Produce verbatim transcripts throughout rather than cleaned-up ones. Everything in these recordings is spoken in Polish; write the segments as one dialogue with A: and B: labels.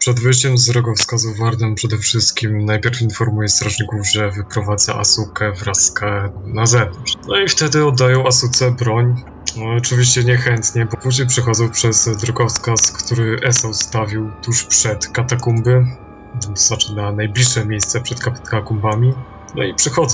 A: Przed wyjściem z drogowskazu Warden przede wszystkim najpierw informuje strażników, że wyprowadza Asukę wraz z Kae na zewnątrz. No i wtedy oddają Asuce broń. No, oczywiście niechętnie, bo później przechodzą przez drogowskaz, który Esa ustawił tuż przed katakumby, to znaczy na najbliższe miejsce przed katakumbami. No i przechodzą.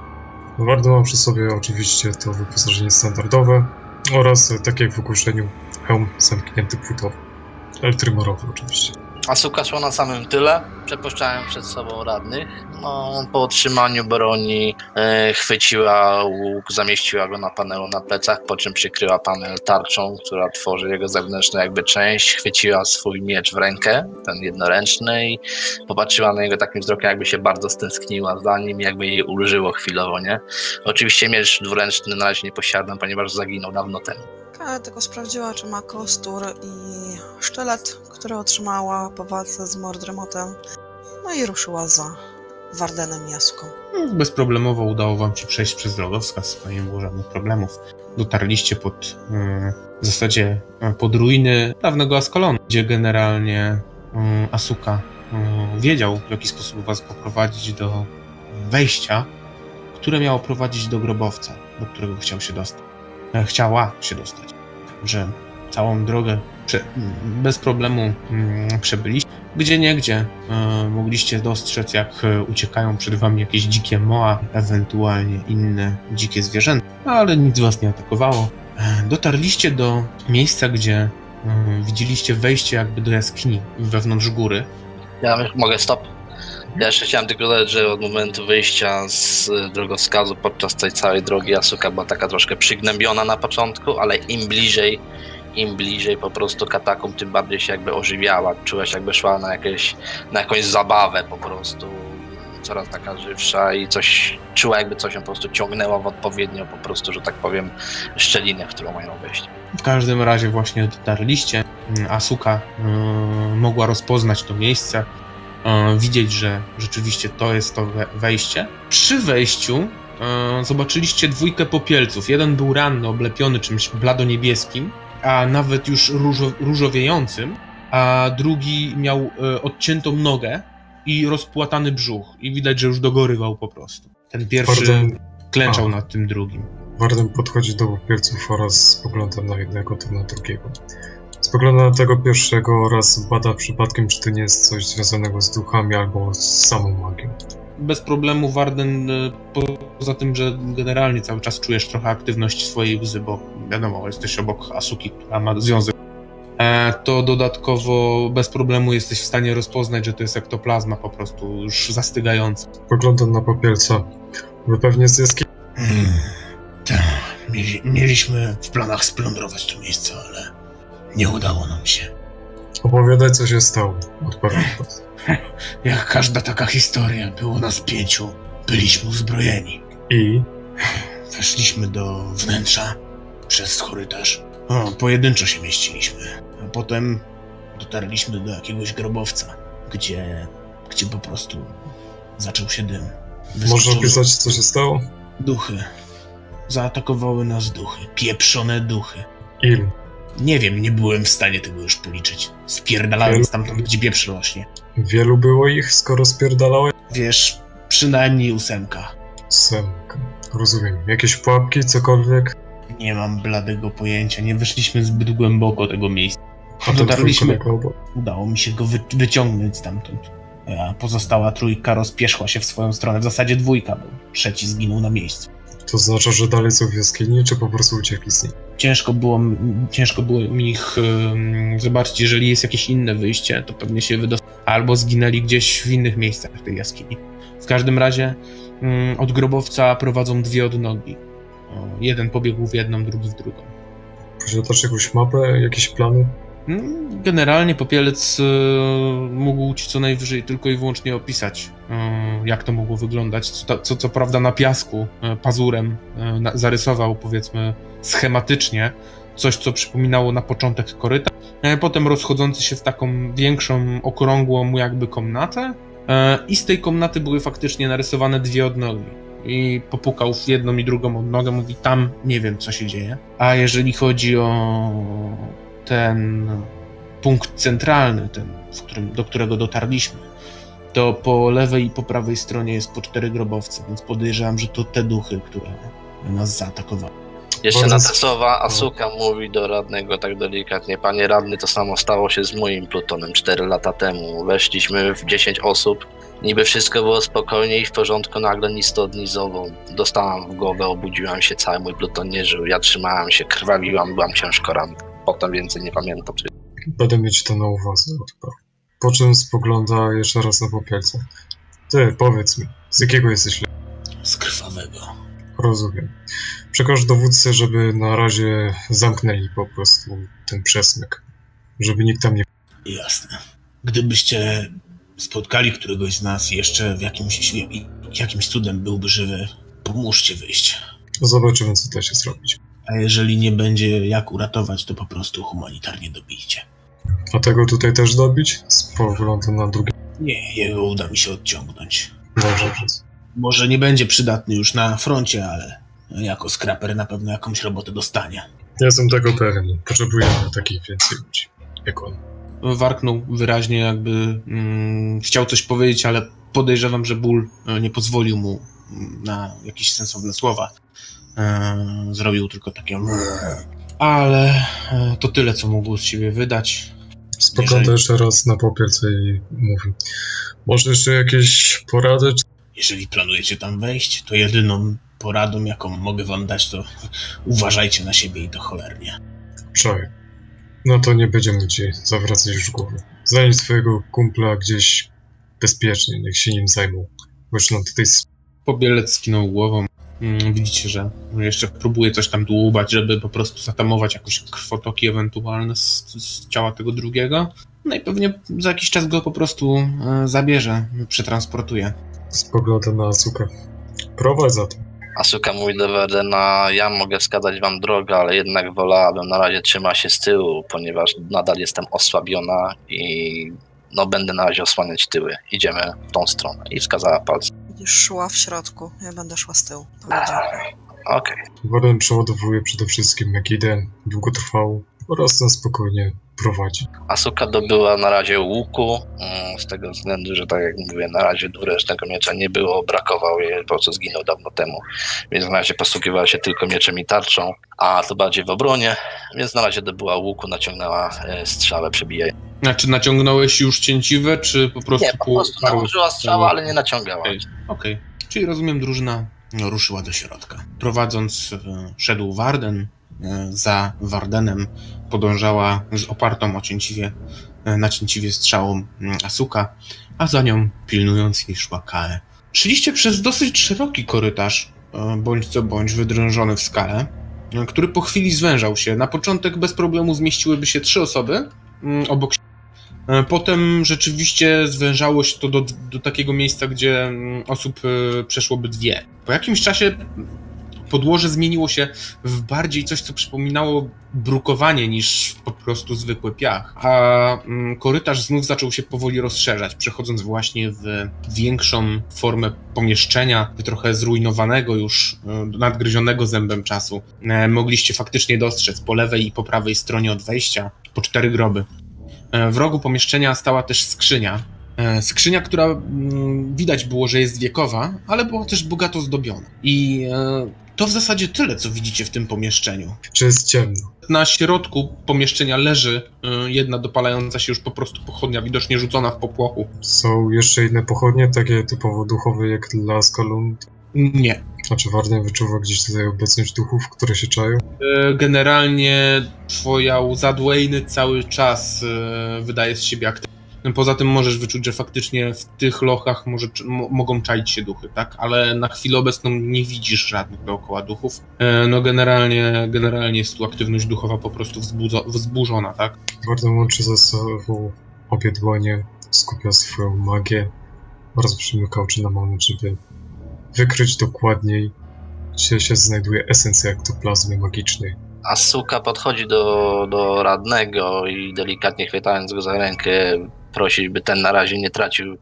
A: Warden ma przy sobie oczywiście to wyposażenie standardowe oraz, tak jak w ogłoszeniu, hełm zamknięty płytowy. Eltrymorowy oczywiście.
B: Asuka szła na samym tyle, przepuszczałem przed sobą radnych. No, po otrzymaniu broni e, chwyciła łuk, zamieściła go na panelu na plecach, po czym przykryła panel tarczą, która tworzy jego zewnętrzną jakby część. Chwyciła swój miecz w rękę, ten jednoręczny, i popatrzyła na niego takim wzrokiem, jakby się bardzo stęskniła za nim, jakby jej ulżyło chwilowo, nie? Oczywiście miecz dwuręczny na razie nie posiadam, ponieważ zaginął dawno temu.
C: Kae tylko sprawdziła, czy ma kostur i sztylet, który otrzymała po walce z Mordremotem, no i ruszyła za Wardenem i Asuką.
D: Bezproblemowo udało wam się przejść przez drogowskaz, to nie było żadnych problemów. Dotarliście pod, yy, w zasadzie yy, pod ruiny dawnego Askalonu, gdzie generalnie yy, Asuka yy, wiedział, w jaki sposób was poprowadzić do wejścia, które miało prowadzić do grobowca, do którego chciał się dostać. Yy, chciała się dostać. Że całą drogę prze, bez problemu yy, przebyliście. Gdzie niegdzie yy, mogliście dostrzec, jak yy, uciekają przed wami jakieś dzikie moa, ewentualnie inne dzikie zwierzęta, ale nic was nie atakowało. Yy, dotarliście do miejsca, gdzie yy, widzieliście wejście jakby do jaskini wewnątrz góry.
B: Ja mogę stop? Ja jeszcze chciałem tylko dodać, że od momentu wyjścia z drogowskazu podczas tej całej drogi Asuka była taka troszkę przygnębiona na początku, ale im bliżej, im bliżej po prostu katakumb, tym bardziej się jakby ożywiała. Czułaś, jakby szła na, jakieś, na jakąś zabawę po prostu, coraz taka żywsza, i coś czuła, jakby coś ją po prostu ciągnęło w odpowiednio po prostu, że tak powiem, szczelinę, w którą mają wejść.
D: W każdym razie właśnie dotarliście. Asuka yy, mogła rozpoznać to miejsce, yy, widzieć, że rzeczywiście to jest to wejście. Przy wejściu yy, zobaczyliście dwójkę popielców. Jeden był ranny, oblepiony czymś bladoniebieskim, a nawet już różo, różowiejącym, a drugi miał y, odciętą nogę i rozpłatany brzuch. I widać, że już dogorywał po prostu. Ten pierwszy Warden... klęczał a. nad tym drugim.
A: Warden podchodzi do popielców oraz spogląda na jednego, to na drugiego. Spogląda na tego pierwszego oraz bada przypadkiem, czy to nie jest coś związanego z duchami albo z samą magią.
D: Bez problemu Warden, poza tym, że generalnie cały czas czujesz trochę aktywność swojej łzy, bo wiadomo, jesteś obok Asuki, która ma związek, to dodatkowo bez problemu jesteś w stanie rozpoznać, że to jest ektoplazma po prostu już zastygająca.
A: Poglądam na popielca. Wy pewnie z jaskini.
E: Hmm, tak, mieli, mieliśmy w planach splądrować to miejsce, ale nie udało nam się.
A: Opowiadaj, co się stało. Odpowiedź.
E: Jak każda taka historia, było nas pięciu. Byliśmy uzbrojeni.
A: I?
E: Weszliśmy do wnętrza przez korytarz. O, pojedynczo się mieściliśmy. A potem dotarliśmy do jakiegoś grobowca, gdzie, gdzie po prostu zaczął się dym.
A: Można opisać, co się stało?
E: Duchy. Zaatakowały nas duchy. Pieprzone duchy.
A: Ilu?
E: Nie wiem, nie byłem w stanie tego już policzyć. Spierdalałem stamtąd, gdzie pieprz rośnie.
A: Wielu było ich, skoro spierdalałeś?
E: Wiesz, przynajmniej ósemka.
A: Ósemka. Rozumiem. Jakieś pułapki, cokolwiek?
E: Nie mam bladego pojęcia, nie weszliśmy zbyt głęboko tego miejsca.
A: A
E: dotarliśmy. Udało mi się go wy- wyciągnąć stamtąd. A pozostała trójka rozpierzchła się w swoją stronę. W zasadzie dwójka, bo trzeci zginął na miejscu.
A: To znaczy, że dalej są w jaskini, czy po prostu uciekli z niej?
D: Ciężko było, ciężko było mi ich um, zobaczyć. Jeżeli jest jakieś inne wyjście, to pewnie się wydostali. Albo zginęli gdzieś w innych miejscach w tej jaskini. W każdym razie um, od grobowca prowadzą dwie odnogi. O, jeden pobiegł w jedną, drugi w drugą.
A: Posiadasz jakąś mapę, jakieś plany?
D: Generalnie Popielec y, mógł ci co najwyżej tylko i wyłącznie opisać, y, jak to mogło wyglądać. Co, co, co prawda na piasku y, pazurem y, na, zarysował, powiedzmy, schematycznie coś, co przypominało na początek koryta, y, potem rozchodzący się w taką większą, okrągłą jakby komnatę, y, i z tej komnaty były faktycznie narysowane dwie odnogi. I popukał w jedną i drugą odnogę, mówi, tam nie wiem, co się dzieje. A jeżeli chodzi o ten punkt centralny, ten, w którym, do którego dotarliśmy, to po lewej i po prawej stronie jest po cztery grobowce, więc podejrzewam, że to te duchy, które nas zaatakowały.
B: Jeszcze
A: Bardzo
B: na
A: s-
B: te słowa
A: no.
B: Asuka mówi do radnego tak delikatnie: panie radny, to samo stało się z moim plutonem cztery lata temu. Weszliśmy w dziesięć osób, niby wszystko było spokojnie i w porządku, nagle ni stąd, ni zowąd. Dostałam w głowę, obudziłam się, cały mój pluton nie żył, ja trzymałam się, krwawiłam, byłam ciężko ranna. Potem więcej nie pamiętam.
A: Będę mieć to na uwadze, odparł. Po czym spogląda jeszcze raz na popielca. Ty, powiedz mi, z jakiego jesteś le-
E: Z krwawego.
A: Rozumiem. Przekaż dowódcy, żeby na razie zamknęli po prostu ten przesmyk. Żeby nikt tam nie...
E: Jasne. Gdybyście spotkali któregoś z nas jeszcze w jakimś, jakimś cudem byłby żywy, pomóżcie wyjść.
A: Zobaczymy, co da się zrobić.
E: A jeżeli nie będzie jak uratować, to po prostu humanitarnie dobijcie.
A: A tego tutaj też dobić? Spogląda na drugie...
E: Nie, jego uda mi się odciągnąć.
A: Dobrze, przez...
E: Może nie będzie przydatny już na froncie, ale jako skraper na pewno jakąś robotę dostanie.
A: Jestem tego pewien. Potrzebujemy takich więcej ludzi, jak on.
D: Warknął wyraźnie, jakby mm, chciał coś powiedzieć, ale podejrzewam, że ból e, nie pozwolił mu mm, na jakieś sensowne słowa. E, zrobił tylko takie... Ale e, to tyle, co mógł z siebie wydać.
A: Spogląda
D: Jeżeli-
A: jeszcze raz na popielce i mówi: może jeszcze jakieś porady? Czy...
E: Jeżeli planujecie tam wejść, to jedyną poradą, jaką mogę wam dać, to uważajcie na siebie i to cholernie.
A: Czaj. No to nie będziemy ci zawracać już głowy. Znajdź swojego kumpla gdzieś bezpiecznie, niech się nim zajmą. Bo już nam tutaj... s-
D: Pobielec skinął głową. Mm, widzicie, że jeszcze próbuje coś tam dłubać, żeby po prostu zatamować jakoś krwotoki ewentualne z, z ciała tego drugiego. No i pewnie za jakiś czas go po prostu e, zabierze, przetransportuje.
A: Spogląda na Asukę. Prowadź za to.
B: Asuka mówi do Wardena: ja mogę wskazać wam drogę, ale jednak wolałabym na razie trzymać się z tyłu, ponieważ nadal jestem osłabiona i no będę na razie osłaniać tyły. Idziemy w tą stronę. I wskazała palcem.
C: Będziesz szła w środku, ja będę szła z tyłu. Powiedział.
B: Okej.
A: Warden przeładowuje przede wszystkim Megidę, długotrwałą oraz na spokojnie prowadzi.
B: Asuka dobyła na razie łuku, mm, z tego względu, że tak jak mówię, na razie dwuręcznego miecza nie było, brakował jej, po prostu zginął dawno temu, więc na razie posługiwała się tylko mieczem i tarczą, a to bardziej w obronie, więc na razie dobyła łuku, naciągnęła e, strzałę, przebijając.
D: Znaczy naciągnąłeś już cięciwe, czy po prostu...
B: Nie, po prostu
D: parłeś-
B: nałożyła strzałę, ale nie naciągała.
D: Okej, okej. Czyli rozumiem, drużyna
E: No, ruszyła do środka.
D: prowadząc e, szedł Warden, e, za Wardenem podążała z opartą o cięciwie, e, na cięciwie strzałą mm, Asuka, a za nią pilnując jej szła Kae. Szliście przez dosyć szeroki korytarz, e, bądź co bądź wydrążony w skale, e, który po chwili zwężał się. Na początek bez problemu zmieściłyby się trzy osoby mm, obok siebie. E, Potem rzeczywiście zwężało się to do, do takiego miejsca, gdzie mm, osób e, przeszłoby dwie. Po jakimś czasie podłoże zmieniło się w bardziej coś, co przypominało brukowanie niż po prostu zwykły piach. A mm, korytarz znów zaczął się powoli rozszerzać, przechodząc właśnie w większą formę pomieszczenia, trochę zrujnowanego już, e, nadgryzionego zębem czasu. E, Mogliście faktycznie dostrzec po lewej i po prawej stronie od wejścia po cztery groby. E, W rogu pomieszczenia stała też skrzynia. E, Skrzynia, która mm, widać było, że jest wiekowa, ale była też bogato zdobiona. I e, to w zasadzie tyle, co widzicie w tym pomieszczeniu.
A: Czy jest ciemno?
D: Na środku pomieszczenia leży e, jedna dopalająca się już po prostu pochodnia, widocznie rzucona w popłochu.
A: Są jeszcze inne pochodnie, takie typowo duchowe jak dla Skalund?
D: Nie.
A: Znaczy Warden wyczuwa gdzieś tutaj obecność duchów, które się czają?
D: E, Generalnie twoja łza Dwayne cały czas e, wydaje z siebie aktywna. Poza tym możesz wyczuć, że faktycznie w tych lochach może, mo, mogą czaić się duchy, tak? Ale na chwilę obecną nie widzisz żadnych dookoła duchów. E, No generalnie, generalnie jest tu aktywność duchowa po prostu wzbudzo, wzburzona, tak?
A: Warden łączy ze sobą obie dłonie, skupia swoją magię oraz przymyka oczy na moment, żeby wykryć dokładniej, gdzie się znajduje esencja ektoplazmy magicznej.
B: Asuka podchodzi do, do radnego i delikatnie chwytając go za rękę prosi, by ten na razie nie tracił,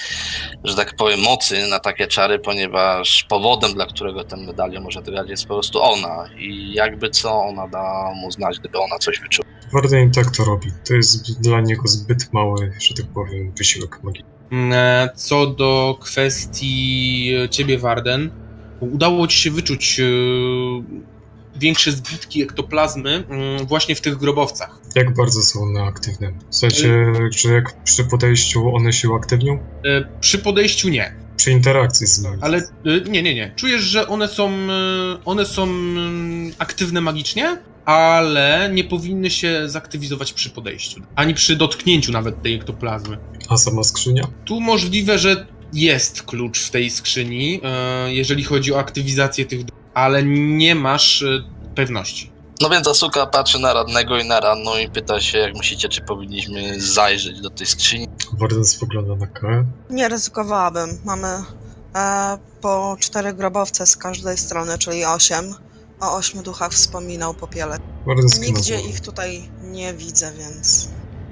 B: że tak powiem, mocy na takie czary, ponieważ powodem, dla którego ten medalion może grać, jest po prostu ona i jakby co, ona da mu znać, gdyby ona coś wyczuła.
A: Warden i tak to robi. To jest dla niego zbyt mały, że tak powiem, wysiłek magii.
D: E, Co do kwestii ciebie, Warden, udało ci się wyczuć e, większe zbitki ektoplazmy mm, właśnie w tych grobowcach.
A: Jak bardzo są one aktywne? W sensie, że jak przy podejściu one się uaktywnią?
D: E, Przy podejściu nie,
A: Przy interakcji z nimi.
D: ale e, nie, nie, nie. Czujesz, że one są, e, one są mm, aktywne magicznie, ale nie powinny się zaktywizować przy podejściu, ani przy dotknięciu nawet tej ektoplazmy.
A: A sama skrzynia?
D: Tu możliwe, że jest klucz w tej skrzyni, e, jeżeli chodzi o aktywizację tych, ale nie masz e, pewności.
B: No więc Asuka patrzy na radnego i na ranną i pyta się, jak myślicie, czy powinniśmy zajrzeć do tej skrzyni.
A: Warden spogląda na K.
C: Nie ryzykowałabym. Mamy e, po cztery grobowce z każdej strony, czyli osiem. O ośmiu duchach wspominał Popielec.
A: Warden skinął
C: Nigdzie
A: głową.
C: ich tutaj nie widzę, więc...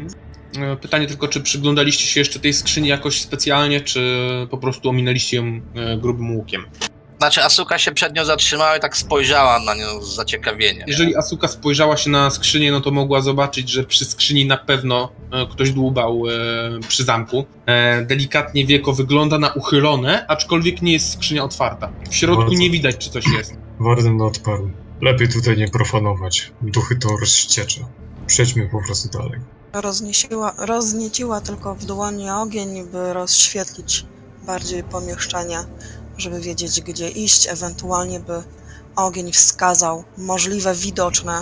D: E, Pytanie tylko, czy przyglądaliście się jeszcze tej skrzyni jakoś specjalnie, czy po prostu ominęliście ją e, grubym łukiem?
B: Znaczy Asuka się przed nią zatrzymała i tak spojrzała na nią z zaciekawieniem.
D: Jeżeli Asuka spojrzała się na skrzynię, no to mogła zobaczyć, że przy skrzyni na pewno e, ktoś dłubał e, przy zamku. E, delikatnie wieko wygląda na uchylone, aczkolwiek nie jest skrzynia otwarta. W środku
A: Bardzo.
D: nie widać, czy coś jest.
A: Warden odparł. Lepiej tutaj nie profanować. Duchy to rozściecze. Przejdźmy po prostu dalej.
C: Rozniesiła, roznieciła tylko w dłoni ogień, by rozświetlić bardziej pomieszczenie, żeby wiedzieć, gdzie iść, ewentualnie by ogień wskazał możliwe widoczne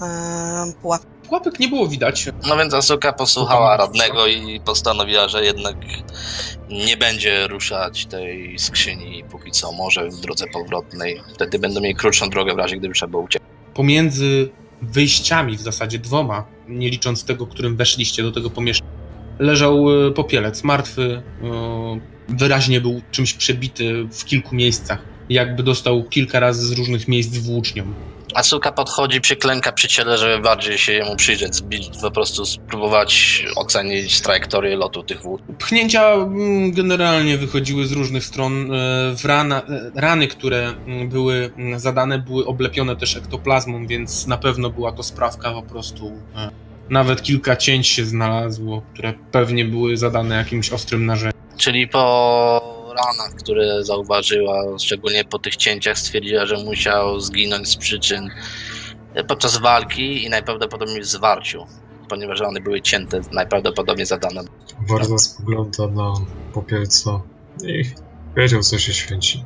C: e, pułapki.
D: Pułapek nie było widać.
B: No więc Asuka posłuchała radnego i postanowiła, że jednak nie będzie ruszać tej skrzyni póki co, może w drodze powrotnej. Wtedy będą mieli krótszą drogę w razie, gdyby trzeba było uciec.
D: Pomiędzy wyjściami, w zasadzie dwoma, nie licząc tego, którym weszliście do tego pomieszczenia, leżał e, Popielec, martwy, e, wyraźnie był czymś przebity w kilku miejscach, jakby dostał kilka razy z różnych miejsc włócznią.
B: Asuka podchodzi, przyklęka przy ciele, żeby bardziej się jemu przyjrzeć, zbić, po prostu spróbować ocenić trajektorię lotu tych wód.
D: Pchnięcia mm, generalnie wychodziły z różnych stron. E, W rana, e, rany, które mm, były mm, zadane, były oblepione też ektoplazmą, więc na pewno była to sprawka po prostu. E, Nawet kilka cięć się znalazło, które pewnie były zadane jakimś ostrym narzędziem.
B: Czyli po ranach, które zauważyła, szczególnie po tych cięciach, stwierdziła, że musiał zginąć z przyczyn podczas walki i najprawdopodobniej w zwarciu, ponieważ rany były cięte, najprawdopodobniej zadane.
A: Warden spogląda na Popielca i wiedział, co się święci.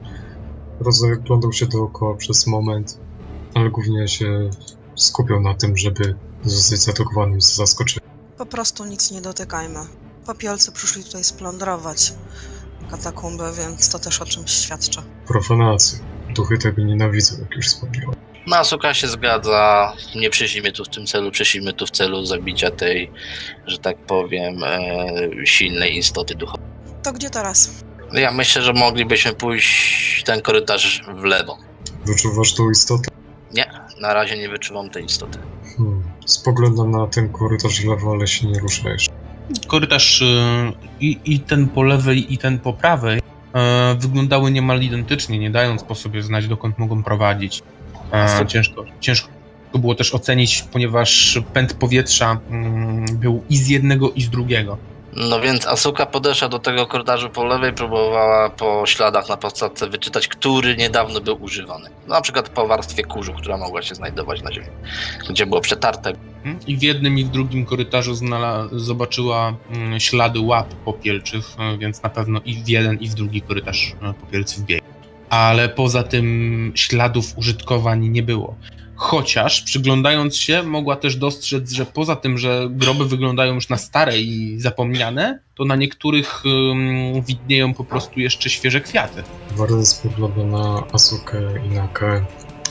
A: Rozglądał się dookoła przez moment, ale głównie się skupiał na tym, żeby zostać zaatakowanym z zaskoczenia.
C: Po prostu nic nie dotykajmy. Popielcy przyszli tutaj splądrować katakumby, więc to też o czymś świadczy.
A: Profanacja. Duchy tego nienawidzą, jak już wspomniałem.
B: No, Asuka się zgadza, nie przyszliśmy tu w tym celu, przyszliśmy tu w celu zabicia tej, że tak powiem, e, silnej istoty duchowej.
C: To gdzie teraz?
B: Ja myślę, że moglibyśmy pójść ten korytarz w lewo.
A: Wyczuwasz tą istotę?
B: Nie, na razie nie wyczuwam tej istoty.
A: Hmm. Spoglądam na ten korytarz w lewo, ale się nie rusza jeszcze.
D: Korytarz e, i, i ten po lewej, i ten po prawej e, wyglądały niemal identycznie, nie dając po sobie znać, dokąd mogą prowadzić. E, ciężko, ciężko było też ocenić, ponieważ pęd powietrza mm, był i z jednego, i z drugiego.
B: No więc Asuka podeszła do tego korytarzu po lewej, próbowała po śladach na podstawce wyczytać, który niedawno był używany. Na przykład po warstwie kurzu, która mogła się znajdować na ziemi, gdzie było przetarte.
D: I w jednym, i w drugim korytarzu znala- zobaczyła mm, ślady łap popielczych, e, więc na pewno i w jeden, i w drugi korytarz e, popielcy wbiegł. Ale poza tym śladów użytkowań nie było. Chociaż przyglądając się, mogła też dostrzec, że poza tym, że groby wyglądają już na stare i zapomniane, to na niektórych um, widnieją po prostu jeszcze świeże kwiaty.
A: Warden spogląda na Asukę i na K.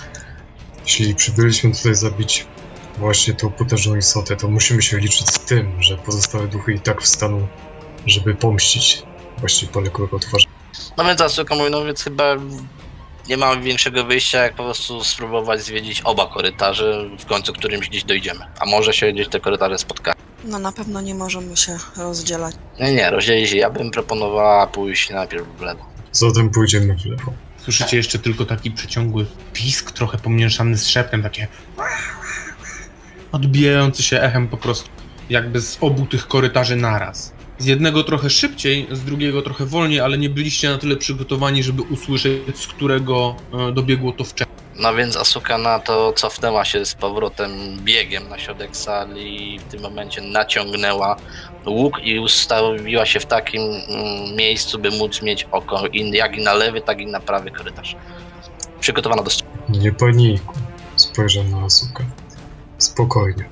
A: Jeśli przybyliśmy tutaj zabić właśnie tą potężną istotę, to musimy się liczyć z tym, że pozostałe duchy i tak wstaną, żeby pomścić właśnie poległego twarza.
B: No więc Asuka mówi, no więc chyba nie mamy większego wyjścia, jak po prostu spróbować zwiedzić oba korytarze, w końcu którymś gdzieś dojdziemy. A może się gdzieś te korytarze spotkają.
C: No na pewno nie możemy się rozdzielać.
B: Nie, nie, rozdzielić się. Ja bym proponowała pójść najpierw w lewo.
A: Zatem pójdziemy w lewo.
D: Słyszycie jeszcze tylko taki przeciągły pisk, trochę pomieszany z szeptem, takie... odbijający się echem po prostu jakby z obu tych korytarzy naraz. Z jednego trochę szybciej, z drugiego trochę wolniej, ale nie byliście na tyle przygotowani, żeby usłyszeć, z którego e, dobiegło to wcześniej.
B: No więc Asuka na to cofnęła się z powrotem biegiem na środek sali i w tym momencie naciągnęła łuk i ustawiła się w takim mm, miejscu, by móc mieć oko i, jak i na lewy, tak i na prawy korytarz. Przygotowana do strzału.
A: Nie panikuj. Spojrzę na Asukę. Spokojnie.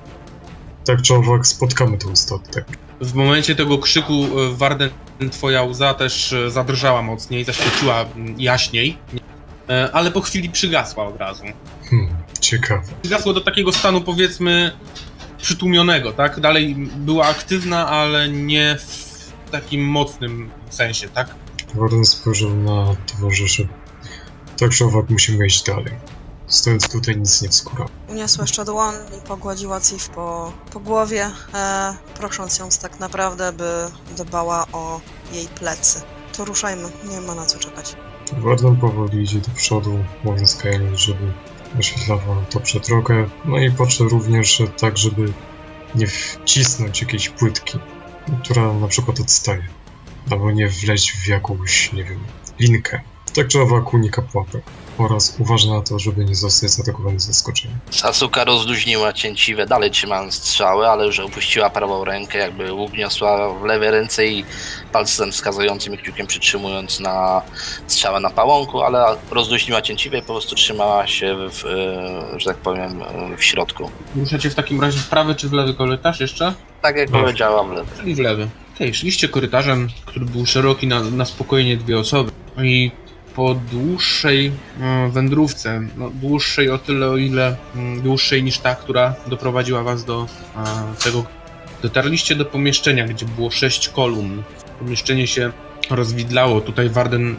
A: Tak czy owak spotkamy ten statek.
D: W momencie tego krzyku e, Warden, twoja łza też e, zadrżała mocniej, zaświeciła mm, jaśniej, e, ale po chwili przygasła od razu.
A: Hmm, ciekawe.
D: Przygasła do takiego stanu, powiedzmy, przytłumionego, tak? Dalej była aktywna, ale nie w takim mocnym sensie, tak?
A: Warden spojrzał na towarzyszy. Tak czy owak musimy iść dalej. Stojąc tutaj nic nie wskóra.
C: Uniosła jeszcze dłoń i pogładziła Cif po, po głowie, e, prosząc ją tak naprawdę, by dbała o jej plecy. To ruszajmy, nie ma na co czekać.
A: Warden powoli idzie do przodu, mówiąc Kaeli, żeby oświetlała dobrze drogę. No i patrzę również tak, żeby nie wcisnąć jakiejś płytki, która na przykład odstaje. Albo nie wleźć w jakąś, nie wiem, linkę. Tak czy owak unika pułapek. Oraz uważa na to, żeby nie zostać zaatakowany z zaskoczenia.
B: Asuka rozluźniła cięciwe, dalej trzymając strzały, ale już opuściła prawą rękę, jakby łuk niosła w lewej ręce i palcem wskazującym i kciukiem przytrzymując na strzałę na pałąku, ale rozluźniła cięciwe i po prostu trzymała się, w, że tak powiem, w środku.
D: Ruszacie w takim razie w prawy czy w lewy korytarz jeszcze?
B: Tak jak
A: No.
B: powiedziałam, w lewy.
D: Czyli w lewy. Okej, szliście korytarzem, który był szeroki na, na spokojnie dwie osoby i po dłuższej e, wędrówce, no, dłuższej o tyle, o ile mm, dłuższej niż ta, która doprowadziła was do e, tego, dotarliście do pomieszczenia, gdzie było sześć kolumn. Pomieszczenie się rozwidlało. Tutaj Warden,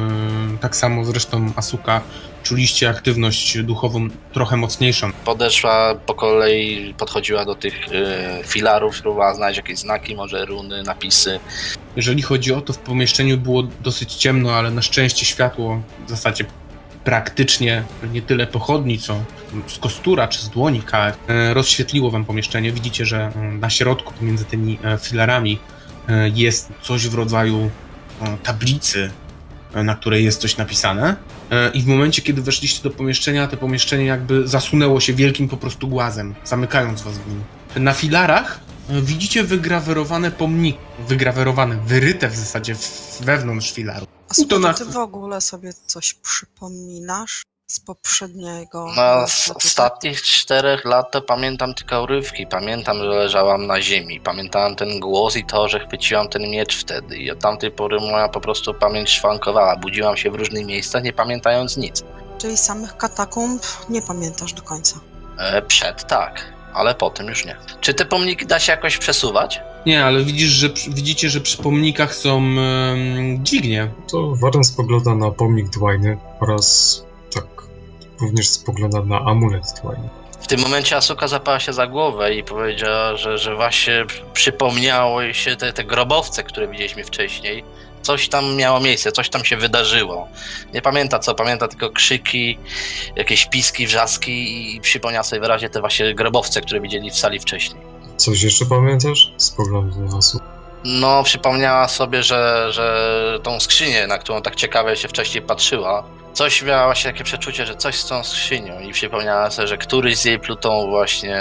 D: e, tak samo zresztą Asuka, czuliście aktywność duchową trochę mocniejszą.
B: Podeszła po kolei, podchodziła do tych y, filarów, próbowała znaleźć jakieś znaki, może runy, napisy.
D: Jeżeli chodzi o to, w pomieszczeniu było dosyć ciemno, ale na szczęście światło w zasadzie praktycznie nie tyle pochodni, co z kostura czy z dłoni K F e, rozświetliło wam pomieszczenie. Widzicie, że e, na środku pomiędzy tymi e, filarami e, jest coś w rodzaju e, tablicy, e, na której jest coś napisane. E, I w momencie, kiedy weszliście do pomieszczenia, to pomieszczenie jakby zasunęło się wielkim po prostu głazem, zamykając was w nim. Na filarach widzicie wygrawerowane pomniki, wygrawerowane, wyryte w zasadzie wewnątrz filaru.
C: A słuchaj,
D: to na-
C: ty w ogóle sobie coś przypominasz z poprzedniego?
B: No,
C: co
B: z
C: tutaj-
B: ostatnich czterech lat to pamiętam tylko urywki. Pamiętam, że leżałam na ziemi. Pamiętałem ten głos i to, że chwyciłam ten miecz wtedy. I od tamtej pory moja po prostu pamięć szwankowała. Budziłam się w różnych miejscach, nie pamiętając nic.
C: Czyli samych katakumb nie pamiętasz do końca.
B: E, przed tak, ale potem już nie. Czy te pomniki da się jakoś przesuwać?
D: Nie, ale widzisz, że przy- widzicie, że przy pomnikach są em, dźwignie.
A: To Warden spogląda na pomnik Dwayny oraz tak również spogląda na amulet Dwayny.
B: W tym momencie Asuka zapała się za głowę i powiedziała, że, że właśnie przypomniało jej się te, te grobowce, które widzieliśmy wcześniej. Coś tam miało miejsce, coś tam się wydarzyło. Nie pamięta co, pamięta tylko krzyki, jakieś piski, wrzaski i przypomniała sobie wyraźnie te właśnie grobowce, które widzieli w sali wcześniej.
A: Coś jeszcze pamiętasz? Spogląda na Asukę.
B: No, przypomniała sobie, że, że tą skrzynię, na którą tak ciekawie się wcześniej patrzyła, coś miała właśnie takie przeczucie, że coś z tą skrzynią i przypomniała sobie, że któryś z jej plutą właśnie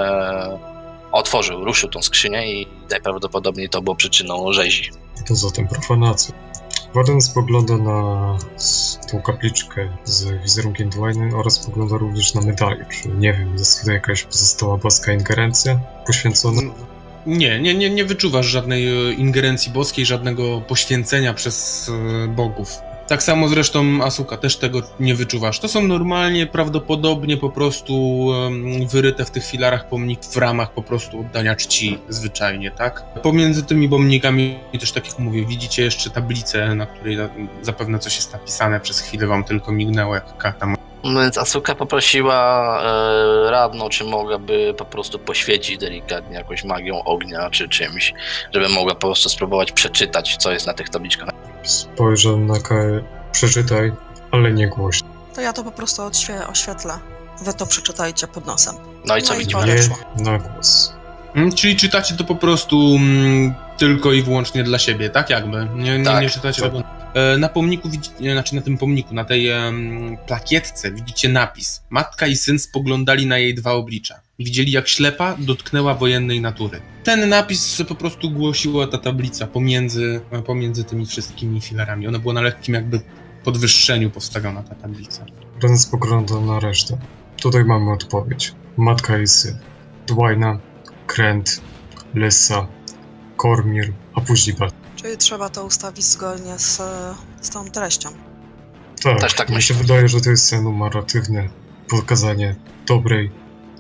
B: e, otworzył, ruszył tą skrzynię i najprawdopodobniej to było przyczyną rzezi.
A: To zatem profanacja. Warden spogląda na s- tą kapliczkę z wizerunkiem Dwayny oraz spogląda również na medalię. Czy nie wiem, jest tutaj jakaś pozostała boska ingerencja poświęcona?
D: Nie, nie, nie, nie wyczuwasz żadnej e, ingerencji boskiej, żadnego poświęcenia przez e, bogów. Tak samo zresztą Asuka, też tego nie wyczuwasz. To są normalnie, prawdopodobnie po prostu em, wyryte w tych filarach pomniki w ramach po prostu oddania czci zwyczajnie, tak? Pomiędzy tymi pomnikami, też tak jak mówię, widzicie jeszcze tablicę, na której za- zapewne coś jest napisane, przez chwilę wam tylko mignęło jak karta.
B: No więc Asuka poprosiła e, radną, czy mogłaby po prostu poświecić delikatnie jakąś magią ognia, czy czymś, żeby mogła po prostu spróbować przeczytać, co jest na tych tabliczkach.
A: Spojrzę na Kae. Przeczytaj, ale nie głośno.
C: To ja to po prostu odświe- oświetlę. wy to przeczytajcie pod nosem.
B: No i co
C: No i
B: widzimy?
C: odeszło.
A: Nie na głos.
D: Mm, Czyli czytacie to po prostu mm, tylko i wyłącznie dla siebie, tak jakby? Nie, nie,
B: Tak,
D: nie czytacie
A: tak.
D: tego. E, Na pomniku, widzicie, znaczy na tym pomniku, na tej em, plakietce widzicie napis. Matka i syn spoglądali na jej dwa oblicza. Widzieli, jak ślepa dotknęła wojennej natury. Ten napis po prostu głosiła ta tablica pomiędzy, pomiędzy tymi wszystkimi filarami. Ona była na lekkim jakby podwyższeniu postawiona, ta tablica.
A: Ren spogląda na resztę. Tutaj mamy odpowiedź. Matka i syn. Dwajna, Kręt, Lyssa, Kormir, a później Bal.
C: Czyli trzeba to ustawić zgodnie z, z tą treścią.
A: Tak,
B: Też tak
A: mi się
B: myślę.
A: wydaje, że to jest enumeratywne pokazanie dobrej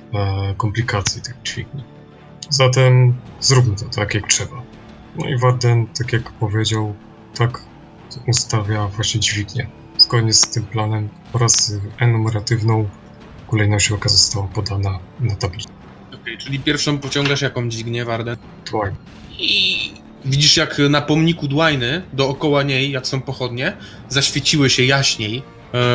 A: e, komplikacji tych dźwigni. Zatem zróbmy to tak, jak trzeba. No i Warden, tak jak powiedział, tak ustawia właśnie dźwignię. Zgodnie z tym planem oraz enumeratywną kolejność oka została podana na tablicy.
D: Okej, czyli pierwszą pociągasz jaką dźwignię, Warden?
A: Dwajna.
D: I widzisz, jak na pomniku Dwajny, dookoła niej, jak są pochodnie, zaświeciły się jaśniej. E,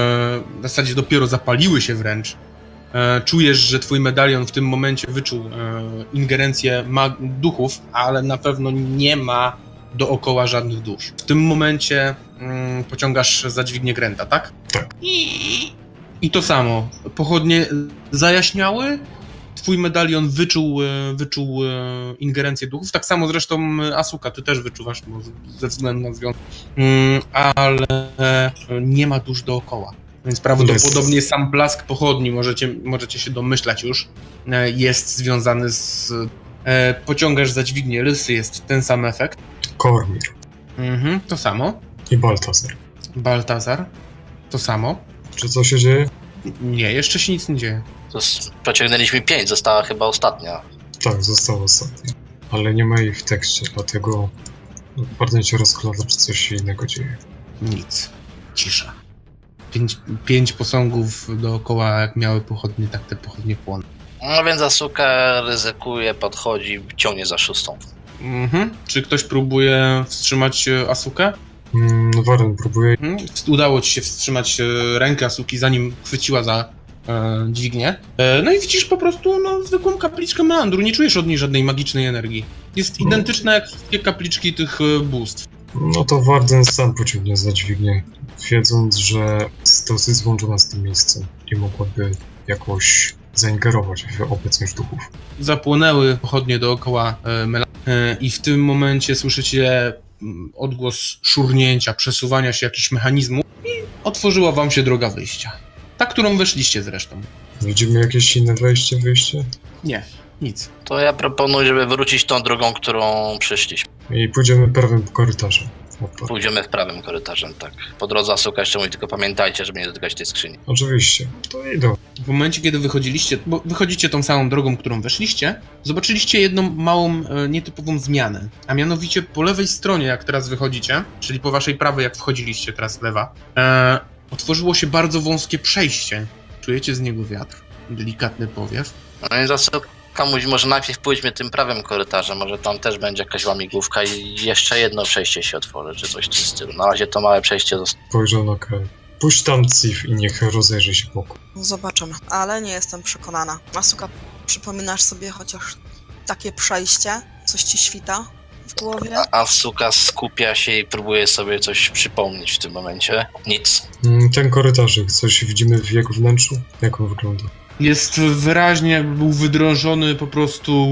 D: w zasadzie dopiero zapaliły się wręcz. E, czujesz, że twój medalion w tym momencie wyczuł e, ingerencję mag- duchów, ale na pewno nie ma dookoła żadnych dusz. W tym momencie mm, pociągasz za dźwignię Grenta, tak?
A: Tak.
D: I, I to samo. Pochodnie zajaśniały, twój medalion wyczuł, e, wyczuł e, ingerencję duchów, tak samo zresztą e, Asuka, ty też wyczuwasz, bo z- ze względu na związek, mm, ale e, nie ma dusz dookoła. Więc prawdopodobnie sam blask pochodni, możecie, możecie się domyślać już, e, jest związany z... E, pociągasz za dźwignię Lysy, jest ten sam efekt.
A: Kormir
D: Mhm, to samo.
A: i Baltazar.
D: Baltazar, to samo.
A: Czy co się dzieje?
D: Nie, jeszcze się nic nie dzieje.
B: To s- pociągnęliśmy pięć, została chyba ostatnia.
A: Tak, zostało ostatnie. Ale nie ma jej w tekście, dlatego Warden się rozkłada, czy coś się innego dzieje.
D: Nic. Cisza. Pięć, pięć posągów dookoła, jak miały pochodnie, tak te pochodnie płoną.
B: No więc Asuka ryzykuje, podchodzi, ciągnie za szóstą.
D: Mhm. Czy ktoś próbuje wstrzymać e, Asukę?
A: Mm, Warden próbuje.
D: Mhm. Udało ci się wstrzymać e, rękę Asuki, zanim chwyciła za e, dźwignię. E, no i widzisz po prostu no, zwykłą kapliczkę meandru, nie czujesz od niej żadnej magicznej energii. Jest
A: No.
D: identyczna jak wszystkie kapliczki tych e, bóstw.
A: No to Warden sam pociągnie za dźwignię, wiedząc, że jest dosyć złączona z tym miejscem i mogłaby jakoś zaingerować w obecność duchów.
D: Zapłonęły pochodnie dookoła e, Mela e, i w tym momencie słyszycie mm, odgłos szurnięcia, przesuwania się jakichś mechanizmów i otworzyła wam się droga wyjścia. Ta, którą weszliście zresztą.
A: Widzimy jakieś inne wejście, wyjście?
D: Nie, nic.
B: To ja proponuję, żeby wrócić tą drogą, którą przyszliśmy.
A: I pójdziemy prawym korytarzem. Opa.
B: Pójdziemy w prawym korytarzem, tak. Po drodze Asuka jeszcze mówi, tylko pamiętajcie, żeby nie dotykać tej skrzyni.
A: Oczywiście, to idą.
D: W momencie, kiedy wychodziliście, bo wychodzicie tą samą drogą, którą weszliście, zobaczyliście jedną małą, e, nietypową zmianę. A mianowicie po lewej stronie, jak teraz wychodzicie, czyli po waszej prawej, jak wchodziliście, teraz lewa, e, otworzyło się bardzo wąskie przejście. Czujecie z niego wiatr, delikatny powiew.
B: No więc Asuka mówi, może najpierw pójdźmy tym prawym korytarzem, może tam też będzie jakaś łamigłówka i jeszcze jedno przejście się otworzy, czy coś w tym stylu. Na razie to małe przejście zostało.
A: Spojrzał na Kel. Puść tam Cif i niech rozejrzy się wokół.
C: Zobaczymy, ale nie jestem przekonana. Asuka, przypominasz sobie chociaż takie przejście? Coś ci świta w głowie?
B: A Asuka skupia się i próbuje sobie coś przypomnieć w tym momencie. Nic.
A: Mm, Ten korytarzyk, coś widzimy w jego wnętrzu? Jak on wygląda?
D: Jest wyraźnie, jakby był wydrążony po prostu,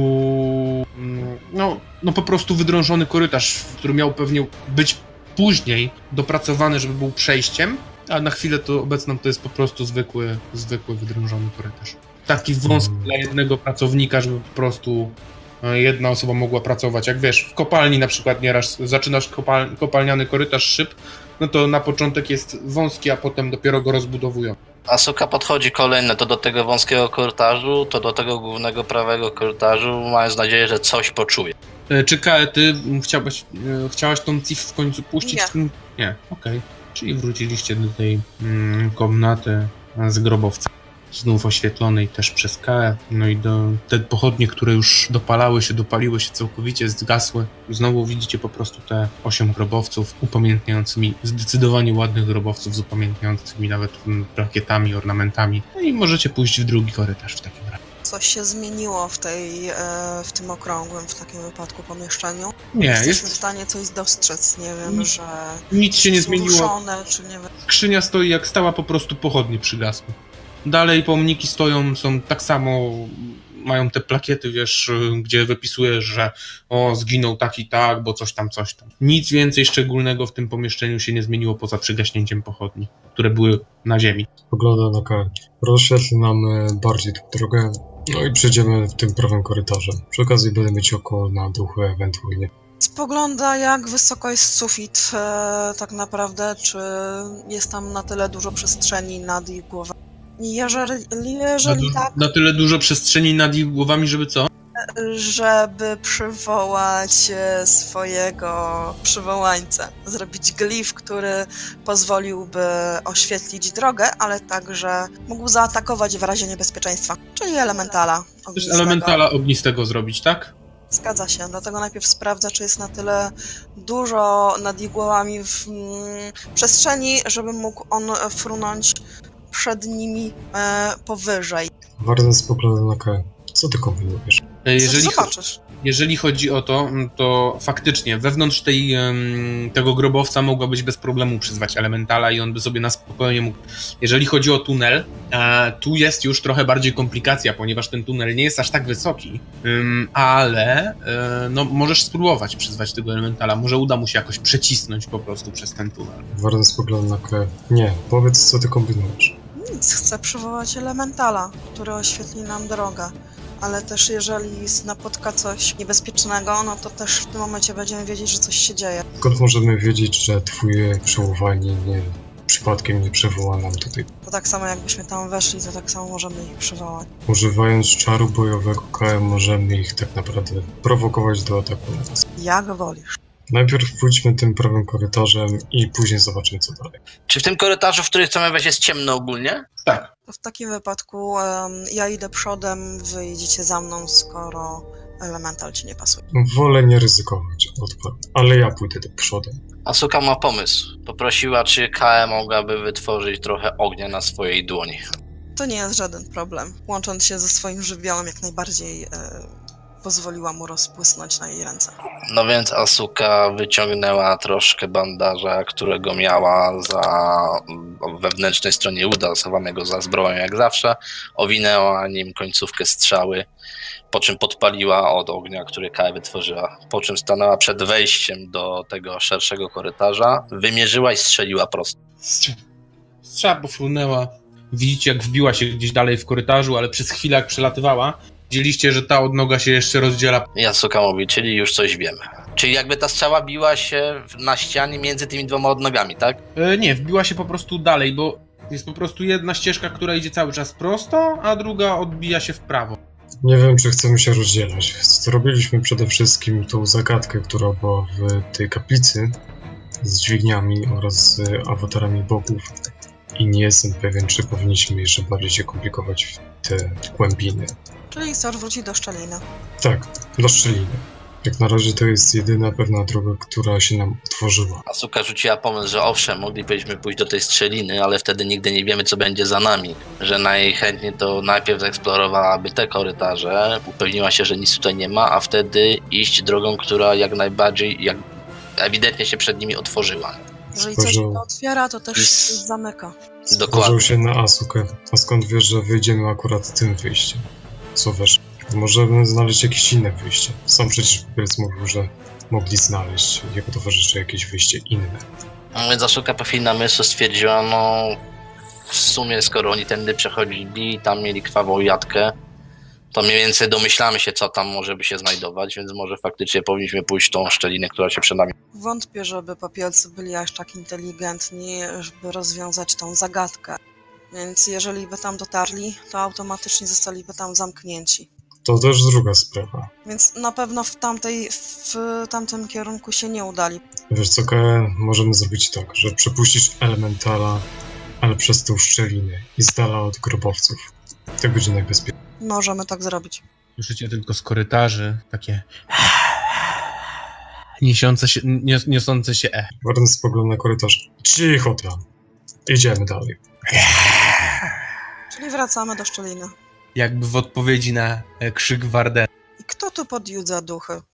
D: mm, no, no po prostu wydrążony korytarz, który miał pewnie być później dopracowany, żeby był przejściem, a na chwilę to obecną to jest po prostu zwykły, zwykły wydrążony korytarz. Taki wąski
A: Mm.
D: dla jednego pracownika, żeby po prostu e, jedna osoba mogła pracować. Jak wiesz, w kopalni na przykład nieraz zaczynasz kopal, kopalniany korytarz szyb, no to na początek jest wąski, a potem dopiero go rozbudowują.
B: Asuka podchodzi kolejne, to do tego wąskiego korytarzu, to do tego głównego prawego korytarzu, mając nadzieję, że coś poczuje.
D: E, Czy Kae, ty m, chciałaś, e, chciałaś tą Cif w końcu puścić?
C: Nie.
D: Nie, okej. Czyli wróciliście do tej mm, komnaty z grobowca. znów oświetlonej też przez K E. No i do, te pochodnie, które już dopalały się, dopaliły się całkowicie, zgasły. Znowu widzicie po prostu te osiem grobowców upamiętniającymi, zdecydowanie ładnych grobowców z upamiętniającymi nawet mm, plakietami, ornamentami. No i możecie pójść w drugi korytarz w takim razie.
C: Coś się zmieniło w, tej, e, w tym okrągłym w takim wypadku pomieszczeniu?
D: Nie,
C: Jesteśmy
D: jest,
C: w stanie coś dostrzec, nie wiem,
D: Nic-
C: że
D: nic się nie
C: są
D: zmieniło.
C: ruszone, czy nie wiem.
D: Skrzynia stoi jak stała, po prostu pochodnie przygasły. Dalej pomniki stoją, są tak samo, mają te plakiety, wiesz, gdzie wypisujesz, że o, zginął tak i tak, bo coś tam, coś tam. Nic więcej szczególnego w tym pomieszczeniu się nie zmieniło poza przygaśnięciem pochodni, które były na ziemi.
A: Pogląda na K. Rozświetli nam e, bardziej tą drogę, no i przejdziemy tym prawym korytarzem. Przy okazji będę mieć oko na duchy ewentualnie.
C: Spogląda, jak wysoko jest sufit e, tak naprawdę, czy jest tam na tyle dużo przestrzeni nad ich głową. Jeżeli, jeżeli
D: na,
C: tak,
D: na tyle dużo przestrzeni nad ich głowami, żeby co?
C: żeby przywołać e, swojego przywołańca, zrobić glif, który pozwoliłby oświetlić drogę, ale także mógł zaatakować w razie niebezpieczeństwa, czyli elementala
D: Też
C: ognistego.
D: elementala ognistego zrobić, tak?
C: Zgadza się, dlatego najpierw sprawdza, czy jest na tyle dużo nad ich głowami w mm, przestrzeni, żeby mógł on frunąć przed nimi e, powyżej.
A: Warden spogląda na K. Co ty kombinujesz?
D: Jeżeli, cho-
C: Zobaczysz. jeżeli
D: chodzi o to, to faktycznie wewnątrz tej, em, tego grobowca mogła być bez problemu przyzwać elementala i on by sobie na spokojnie mógł. Jeżeli chodzi o tunel, e, tu jest już trochę bardziej komplikacja, ponieważ ten tunel nie jest aż tak wysoki, em, ale e, no, możesz spróbować przyzwać tego elementala. Może uda mu się jakoś przecisnąć po prostu przez ten tunel.
A: Warden spogląda na K. Nie, powiedz co ty kombinujesz.
C: Nic, chcę przywołać elementala, który oświetli nam drogę. Ale też jeżeli napotka coś niebezpiecznego, no to też w tym momencie będziemy wiedzieć, że coś się dzieje.
A: Skąd możemy wiedzieć, że twoje przywołanie nie, przypadkiem nie przywoła nam tutaj?
C: To tak samo jakbyśmy tam weszli, to tak samo możemy ich przywołać.
A: Używając czaru bojowego K M możemy ich tak naprawdę prowokować do ataku na nas.
C: Jak wolisz.
A: Najpierw pójdźmy tym prawym korytarzem i później zobaczymy co dalej.
B: Czy w tym korytarzu, w którym chcemy wejść, jest ciemno ogólnie?
D: Tak.
C: To w takim wypadku em, ja idę przodem, wy idziecie za mną, skoro elemental ci nie pasuje.
A: Wolę nie ryzykować, odparł. Ale ja pójdę do przodem.
B: Asuka ma pomysł. Poprosiła, czy K E mogłaby wytworzyć trochę ognia na swojej dłoni.
C: To nie jest żaden problem. Łącząc się ze swoim żywiołem, jak najbardziej e, pozwoliła mu rozbłysnąć na jej ręce.
B: No więc Asuka wyciągnęła troszkę bandaża, którego miała za wewnętrznej stronie uda, schowanego za zbroją jak zawsze. Owinęła nim końcówkę strzały, po czym podpaliła od ognia, który K E wytworzyła. Po czym stanęła przed wejściem do tego szerszego korytarza, wymierzyła i strzeliła prosto.
D: Strza- Strzała pofrunęła. Widzicie, jak wbiła się gdzieś dalej w korytarzu, ale przez chwilę, jak przelatywała, widzieliście, że ta odnoga się jeszcze rozdziela.
B: I Asuka mówi, czyli już coś wiemy. Czyli jakby ta strzała biła się na ścianie między tymi dwoma odnogami, tak?
D: E, nie, wbiła się po prostu dalej, bo jest po prostu jedna ścieżka, która idzie cały czas prosto, a druga odbija się w prawo.
A: Nie wiem, czy chcemy się rozdzielać. Zrobiliśmy przede wszystkim tą zagadkę, która była w tej kaplicy z dźwigniami oraz z awatarami bogów. I nie jestem pewien, czy powinniśmy jeszcze bardziej się komplikować w te głębiny.
C: Czyli chcesz wrócić do szczeliny.
A: Tak, do szczeliny. Jak na razie to jest jedyna pewna droga, która się nam otworzyła.
B: Asuka rzuciła pomysł, że owszem, moglibyśmy pójść do tej strzeliny, ale wtedy nigdy nie wiemy, co będzie za nami. Że najchętniej to najpierw zeksplorowałaby te korytarze, upewniła się, że nic tutaj nie ma, a wtedy iść drogą, która jak najbardziej, jak ewidentnie się przed nimi otworzyła.
C: Jeżeli coś
A: Spojrzał-
C: się otwiera, to też
B: Is-
C: się zamyka.
B: Dokładnie.
A: Spojrzał się na Asukę. A skąd wiesz, że wyjdziemy akurat tym wyjściem? Co wiesz? Możemy znaleźć jakieś inne wyjście. Sam przecież Pielc mówił, że mogli znaleźć jego towarzysze jakieś wyjście inne.
B: No więc Asuka po chwili namysłu stwierdziła, no w sumie skoro oni tędy przechodzili, tam mieli krwawą jatkę, to mniej więcej domyślamy się, co tam może by się znajdować, więc może faktycznie powinniśmy pójść w tą szczelinę, która się przed nami.
C: Wątpię, żeby popielcy byli aż tak inteligentni, żeby rozwiązać tą zagadkę. Więc jeżeli by tam dotarli, to automatycznie zostaliby tam zamknięci.
A: To też druga sprawa.
C: Więc na pewno w, tamtej, w tamtym kierunku się nie udali.
A: Wiesz co, K, możemy zrobić tak, że przepuścić elementala, ale przez tą szczelinę i z dala od grobowców. Tak będzie najbezpieczniej.
C: Możemy tak zrobić.
D: Słyszycie tylko z korytarzy takie niesiące się, nios, niosące się e.
A: Warden spogląda na korytarz. Cicho tam. Idziemy dalej.
C: Czyli wracamy do szczeliny.
D: Jakby w odpowiedzi na e, krzyk Wardena.
C: I kto tu podjudza duchy?